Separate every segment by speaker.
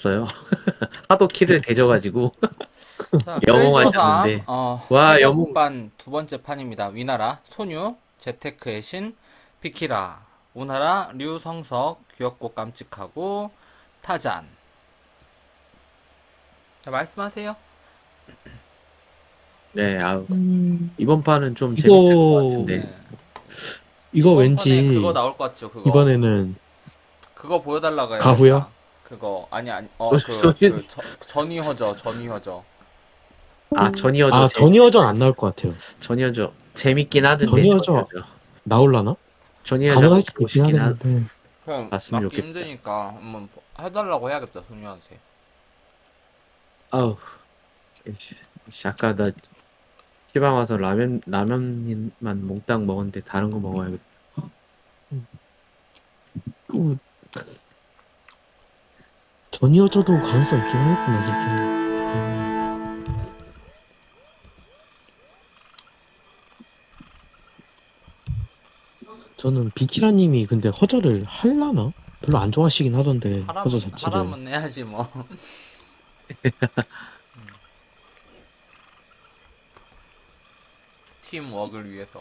Speaker 1: 없어요. 하도 키를 대져가지고
Speaker 2: 자,
Speaker 1: 영웅하셨는데
Speaker 2: 크레이저3
Speaker 1: 와 영웅
Speaker 2: 해적반 두 번째 판입니다. 위나라, 소뉴, 재테크의 신, 비키라, 오나라, 류성석, 귀엽고 깜찍하고 타잔. 자, 말씀하세요.
Speaker 1: 네 아
Speaker 3: 음,
Speaker 1: 이번 판은 좀 재밌을 것
Speaker 3: 이거,
Speaker 1: 같은데
Speaker 2: 네.
Speaker 3: 이거
Speaker 2: 이번 판에 그거
Speaker 3: 왠지,
Speaker 2: 나올 것 같죠? 그거.
Speaker 3: 이번에는
Speaker 2: 그거 보여달라고
Speaker 3: 가후야?
Speaker 2: 해야겠다. 그거, 아니,
Speaker 1: 소유
Speaker 2: 전이허저, 전이허저.
Speaker 1: 아 전이어져
Speaker 3: 아, 전이어전 안 나올 것 같아요.
Speaker 1: 전이어져 재밌긴 하던데
Speaker 3: 전이어전
Speaker 1: 전이어져
Speaker 3: 나올라나?
Speaker 1: 전이어져
Speaker 3: 가능할
Speaker 1: 한번
Speaker 3: 수도
Speaker 1: 보고
Speaker 3: 있긴
Speaker 1: 싶긴
Speaker 3: 하겠는데.
Speaker 2: 그럼
Speaker 1: 봤으면
Speaker 2: 맞기
Speaker 1: 좋겠다.
Speaker 2: 힘드니까 한번 해달라고 해야겠다, 소뉴한테.
Speaker 1: 아우 씨, 아까 나 시방 와서 라면만 몽땅 먹었는데 다른 거 먹어야겠다.
Speaker 3: 또, 전이어전도 가능성 있긴 하겠구나, 진짜. 저는 비키라님이 근데 허저를 할라나? 별로 안 좋아하시긴 하던데, 허저 자체를.
Speaker 2: 하라면 해야지 뭐. 팀워크를 위해서.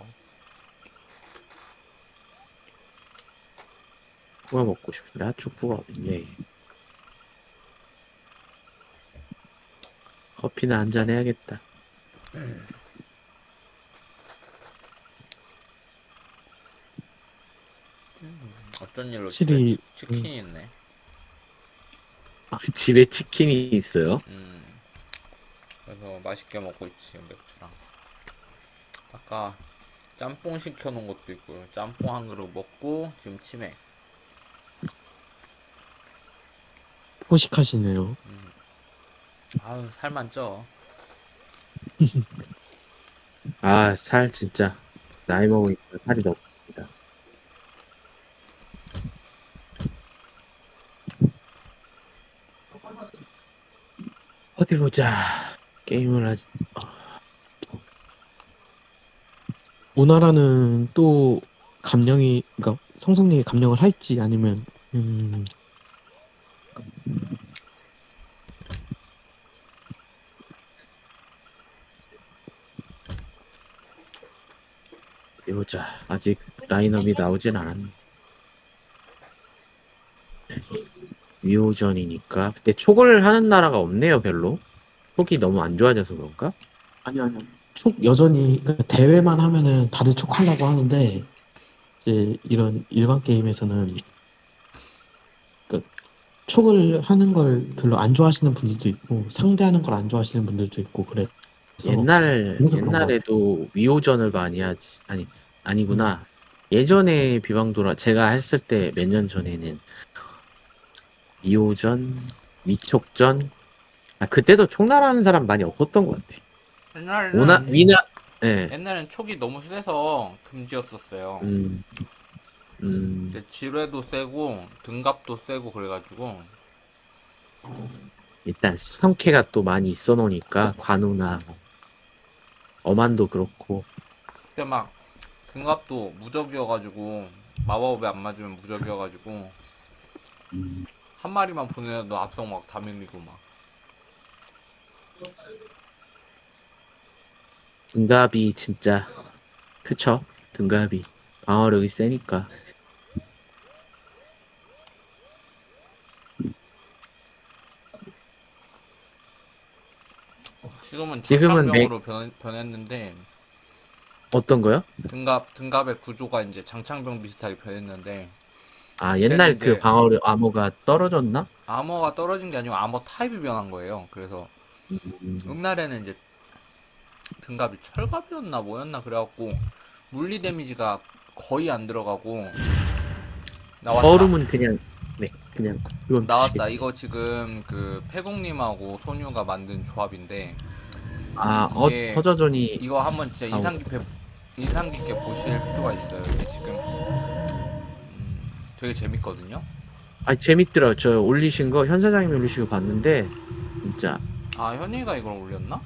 Speaker 1: 축구가 먹고 싶은데 축구가 어딨냐. 커피나 한잔 해야겠다.
Speaker 2: 어쩐 일로 집에
Speaker 3: 확실히,
Speaker 2: 치킨이 있네.
Speaker 1: 아, 집에 치킨이 있어요?
Speaker 2: 그래서 맛있게 먹고 있지, 맥주랑. 아까 짬뽕 시켜놓은 것도 있고, 짬뽕 한 그릇 먹고 지금 치맥.
Speaker 3: 포식하시네요.
Speaker 2: 아유, 살만 쪄.
Speaker 1: 아, 살 진짜 나이 먹으니까 살이 너무 니다 어디 보자. 게임을 하지.
Speaker 3: 오나라는 또 그러니까 성성님이 감령을 할지 아니면,
Speaker 1: 어디 보자. 아직 라인업이 나오진 않았네. 위호전이니까. 근데 촉을 하는 나라가 없네요, 별로. 촉이 너무 안 좋아져서 그런가?
Speaker 3: 아니요. 촉 여전히, 그러니까 대회만 하면은 다들 촉하려고 하는데, 이제 이런 일반 게임에서는, 그러니까 촉을 하는 걸 별로 안 좋아하시는 분들도 있고, 상대하는 걸 안 좋아하시는 분들도 있고, 그래서, 그래서 그런 것 같아요.
Speaker 1: 옛날에도 위호전을 많이 하지.
Speaker 3: 음,
Speaker 1: 아니구나. 예전에 비방도라 제가 했을 때 몇 년 전에는 위호전, 위촉전. 아, 그때도 총날하는 사람 많이 없었던 것 같아.
Speaker 2: 옛날에는,
Speaker 1: 위나, 예.
Speaker 2: 옛날엔 촉이 너무 세서 금지였었어요.
Speaker 1: 음,
Speaker 2: 근데 지뢰도 세고, 등갑도 세고 그래가지고,
Speaker 1: 일단 스턴캐가 또 많이 있어 놓으니까, 관우나, 어만도 그렇고,
Speaker 2: 그때 막 등갑도 무적이어가지고, 마법에 안 맞으면 무적이어가지고, 한 마리만 보내도 앞성 막 다 밀리고 막.
Speaker 1: 등갑이 진짜, 그쵸? 등갑이. 방어력이 세니까.
Speaker 2: 지금은
Speaker 1: 지금은
Speaker 2: 장창병으로 변했는데,
Speaker 1: 어떤 거요?
Speaker 2: 등갑의 구조가 이제 장창병 비슷하게 변했는데,
Speaker 1: 아,
Speaker 2: 그때는
Speaker 1: 옛날 그
Speaker 2: 이제
Speaker 1: 방어력 암호가 떨어졌나?
Speaker 2: 아머가 떨어진 게 아니고 아머 타입이 변한 거예요. 그래서
Speaker 1: 음,
Speaker 2: 옛날에는 이제 등갑이 철갑이었나 뭐였나 그래갖고 물리 데미지가 거의 안 들어가고 나왔다.
Speaker 1: 얼음은 그냥, 네, 그냥, 그건
Speaker 2: 나왔다.
Speaker 1: 주시겠지.
Speaker 2: 이거 지금 그 패공님하고 소뉴가 만든 조합인데
Speaker 1: 아,
Speaker 2: 이게
Speaker 1: 허저전이,
Speaker 2: 이거 한번 진짜
Speaker 1: 아,
Speaker 2: 인상 깊게 보실 필요가 있어요. 이게 지금 되게 재밌거든요.
Speaker 1: 아, 재밌더라고요. 저 올리신 거, 현 사장님이 올리신 거 봤는데, 진짜,
Speaker 2: 아, 현이가 이걸 올렸나?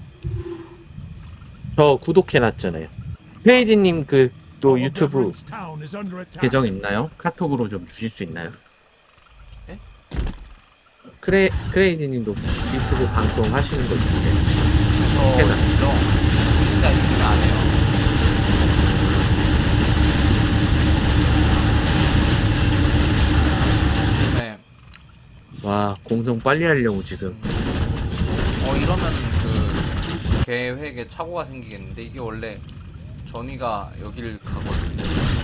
Speaker 1: 저 구독해놨잖아요.
Speaker 2: 아,
Speaker 1: 페이지님 그, 또
Speaker 4: Our
Speaker 1: 유튜브
Speaker 4: beverage town is under attack.
Speaker 1: 계정 있나요? 카톡으로 좀 주실 수 있나요?
Speaker 2: 네?
Speaker 1: 크레이지님도 유튜브 방송 하시는 거 있는데.
Speaker 2: 저
Speaker 1: 해놔.
Speaker 2: 있죠. 진짜 요즘에 안 해요. 네.
Speaker 1: 와, 공성 빨리 하려고 지금.
Speaker 2: 이러면 그 계획에 착오가 생기겠는데 이게 원래 전이가 여기를 가거든요.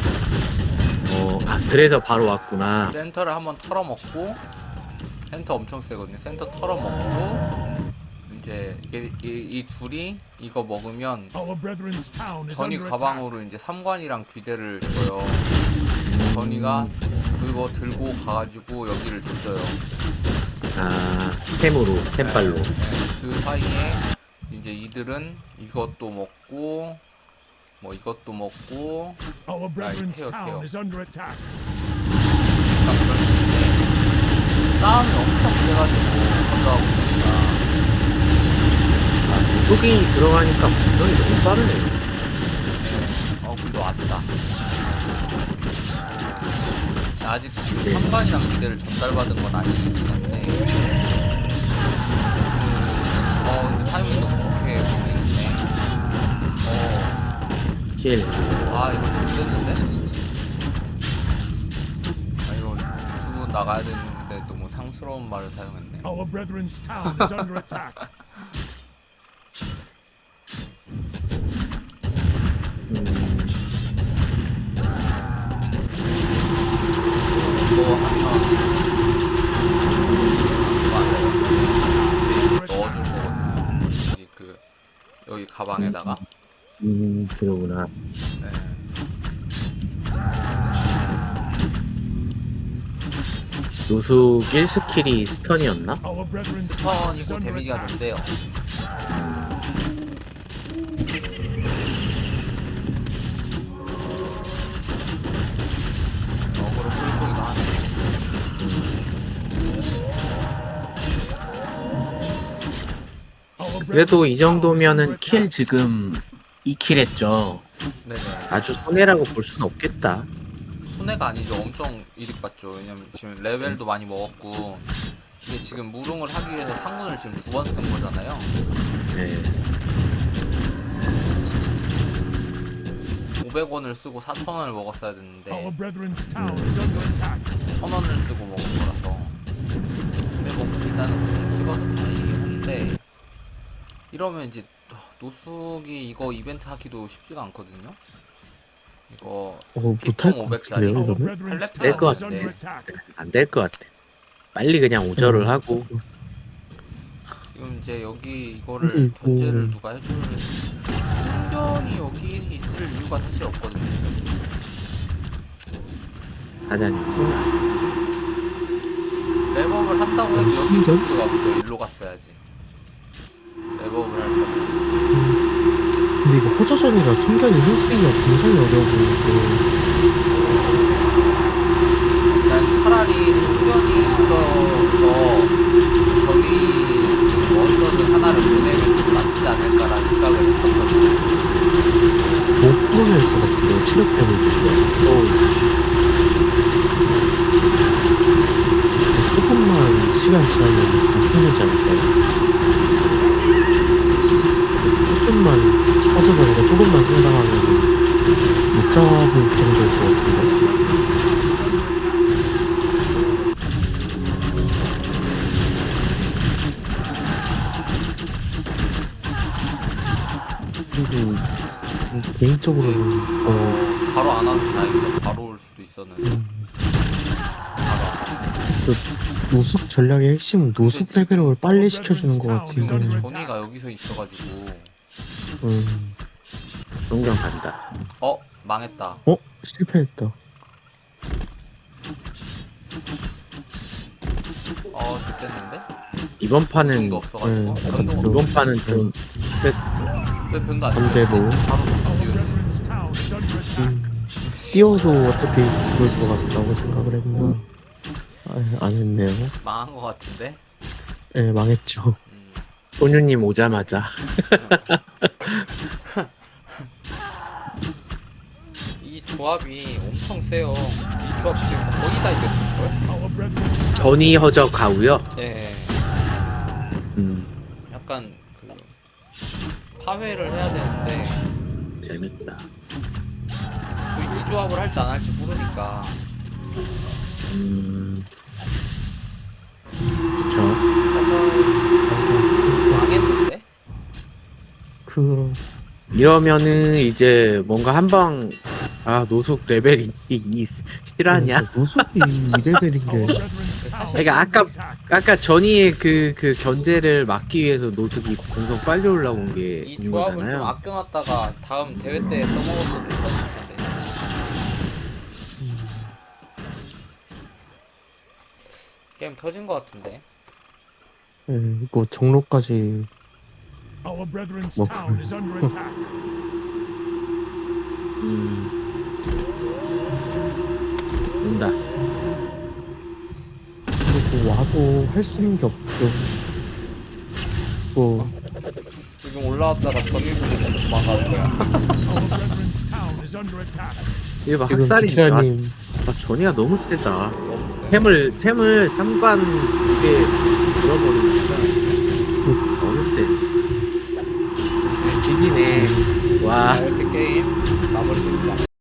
Speaker 1: 그래서 바로 왔구나.
Speaker 2: 센터를 한번 털어먹고 센터 엄청 세거든요. 센터 털어먹고 이제 이 둘이 이거 먹으면 전이 가방으로 이제 3관이랑 귀대를 줘요. 전이가 그거 들고 가가지고 여기를 조져요.
Speaker 1: 아, 템발로.
Speaker 2: 그 사이에 이제 이들은 이것도 먹고 뭐 이것도 먹고 태워 그러니까 그럴 수 있는데 싸움이 엄청 세가지고 건조하고 있으니까
Speaker 1: 속이 들어가니까 공성이 너무 빠르네.
Speaker 2: 근데 왔다. 아직 지금 3관이랑 기대를 전달받은 건 아니긴 한데 근데 타이밍이 너무 좋게 보이는데
Speaker 1: 킬.
Speaker 2: 이거 못됐는데? 이거 두고 나가야 되는데 너무 상스러운 말을 사용했네.
Speaker 4: Our brethren's town is under attack.
Speaker 2: 이거 하면 넣어줄 거거든요. 여기 가방에다가.
Speaker 1: 그러구나.
Speaker 2: 네.
Speaker 1: 노숙 1스킬이 스턴이었나?
Speaker 4: Our brethren's
Speaker 2: 스턴이고 데미지가 좀 세요. 어그로 끌고 이거 하네.
Speaker 1: 그래도 이 정도면은 킬 지금 2킬 했죠.
Speaker 2: 네네.
Speaker 1: 아주 손해라고 볼 수는 없겠다.
Speaker 2: 손해가 아니죠. 엄청 이득 봤죠. 왜냐면 지금 레벨도 많이 먹었고 이게 지금 무릉을 하기 위해서 상군을 지금 2번 쓴 거잖아요.
Speaker 1: 네.
Speaker 2: 500원을 쓰고 4,000원을 먹었어야 됐는데
Speaker 4: Our brethren's town is under attack.
Speaker 2: 1,000원을 쓰고 먹은 거라서. 근데 뭐 일단은 무슨 찍어서 다행이긴 한데 이러면 이제 노숙이 이거 이벤트 하기도 쉽지가 않거든요. 이거
Speaker 3: 못할 것
Speaker 2: 500짜리.
Speaker 3: 같은데요,
Speaker 4: Our
Speaker 3: 이러면?
Speaker 4: brethren's
Speaker 2: 될
Speaker 4: town
Speaker 1: 것
Speaker 4: is under
Speaker 2: 같은데.
Speaker 4: attack.
Speaker 1: 안 될 것 같아. 빨리 그냥 오절을 하고.
Speaker 2: 지금 이제 여기 이거를 견제를 누가 해줄 충전이 여기 있을 이유가 사실 없거든요.
Speaker 1: 사장님.
Speaker 2: 랩업을 한다고 해도 여기 쪽으로 가보죠. 일로 갔어야지. 랩업을 할 거면.
Speaker 3: 근데 이거 호조선이라 충전이 힐쓰기가 굉장히 어려워 보이는데.
Speaker 2: 난 차라리 충전이 있어서 저기 원선을 하나를 보내면 좀 낫지 않을까라는 생각을 했었거든요.
Speaker 3: 못 보낼 것 같은데요, 체력 때문에. 조금만 시간 지나면 좀 풀리지 않을까요? 조금만 빠져버리고 조금만 생각하면 못 잡을 정도일 것 같은데. 그리고 개인적으로는
Speaker 2: 바로 안 와도 다행이다. 바로 올 수도 있었는데. 바로 안 와.
Speaker 3: 노숙 전략의 핵심은 노숙 레벨업을 빨리 시켜주는 것 같은데.
Speaker 2: 조니가 여기서 있어가지고
Speaker 1: 동경 간다.
Speaker 2: 망했다.
Speaker 3: 실패했다.
Speaker 2: 됐는데?
Speaker 1: 이번 판은
Speaker 2: 변도 없어가지고.
Speaker 3: 네.
Speaker 2: 변도 없
Speaker 1: 이번 판은 좀
Speaker 2: 왜 변도 안
Speaker 3: 반대로.
Speaker 2: 띄웠지? 바로
Speaker 4: Our
Speaker 2: 띄웠지.
Speaker 4: brethren's town is under attack.
Speaker 3: 띄워도 어차피 죽을 것 같다고 생각을 했나. 안 했네요.
Speaker 2: 망한 것 같은데?
Speaker 3: 네, 망했죠.
Speaker 1: 소유님 오자마자
Speaker 2: 이 조합이 엄청 세요. 이 조합 지금 거의 다 이겼을걸?
Speaker 4: Our brethren
Speaker 1: 전이 허적 가우요.
Speaker 2: 예.
Speaker 1: 음,
Speaker 2: 약간 그 파회를 해야 되는데
Speaker 1: 재밌다.
Speaker 2: 이 조합을 할지 안 할지 모르니까
Speaker 1: 그쵸.
Speaker 2: 망했는데?
Speaker 3: 그
Speaker 1: 이러면은 이제 뭔가 한방 노숙 레벨이 실하냐?
Speaker 3: 노숙이 2레벨인
Speaker 4: our
Speaker 3: 게
Speaker 4: brethren's town
Speaker 1: 그러니까
Speaker 4: is under attack.
Speaker 1: 아까 전이의 그 견제를 막기 위해서 노숙이 공성 빨리 올라온 게
Speaker 2: 이
Speaker 1: 있는
Speaker 2: 조합을 좀
Speaker 1: 거잖아요.
Speaker 2: 아껴놨다가 다음 대회 때 써먹었어도 좋았을 텐데. 게임 터진 것 같은데.
Speaker 3: 예, 이거 종로까지
Speaker 4: Our brethren's
Speaker 3: 뭐,
Speaker 4: town is under attack.
Speaker 1: 온다.
Speaker 3: 그리고 와도 할 수 있는 게 없죠. 뭐
Speaker 2: 지금 올라왔다가 전일부대 도망가는 거야.
Speaker 4: Our brethren's town is under attack.
Speaker 1: 이거 봐,
Speaker 3: 지금
Speaker 1: 학살이
Speaker 3: 기라님
Speaker 1: 전이가 너무 세다. 템을 3관 이게 들어버리니까 너무 세.